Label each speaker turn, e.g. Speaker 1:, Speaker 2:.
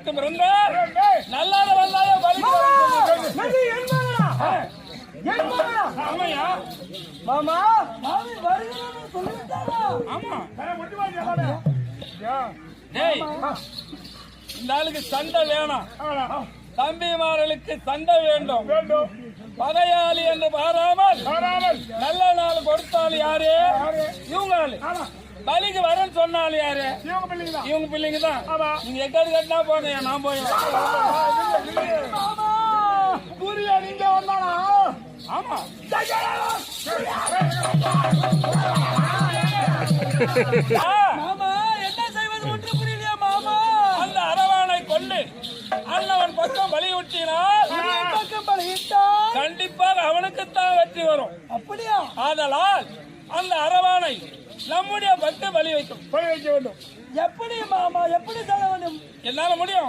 Speaker 1: எனக்கு பிறந்த நல்லாத வல்லாத ஆமையா
Speaker 2: மாமா மாமி வருகிறேன்னு சொல்லிட்டாரா?
Speaker 1: ஆமா டேய் இந்த ஆளுக்கு சண்டை வேணாம் தம்பிமார்களுக்கு சண்டை வேண்டும் பகையாளி என்று பாராமல் நல்ல நாள் கொடுத்தாலும் யாரு இவங்க பலிக்கு வரேன்னு சொன்னாலும் யாரு இவங்க பிள்ளைங்க தான் நீங்க எக்காடு கட்டினா போங்க நான் போய்
Speaker 2: புரியா நீங்க வந்தானா?
Speaker 1: ஆமா
Speaker 2: மாமா என்ன செய்வது ஒன்று புரியலையா மாமா?
Speaker 1: அந்த அரவானை கொண்டு அண்ணவன் பக்கம் பலியுட்டினால்
Speaker 2: பக்கம் பலியிட்டால்
Speaker 1: கண்டிப்பாக அவனுக்குத்தான் வெற்றி வரும்.
Speaker 2: அப்படியா?
Speaker 1: ஆதலால் அந்த அரவானை நம்முடைய பக்த பலி வைக்க வேண்டும்.
Speaker 2: எப்படி மாமா எப்படி சொல்ல வேண்டும்?
Speaker 1: என்னால முடியும்.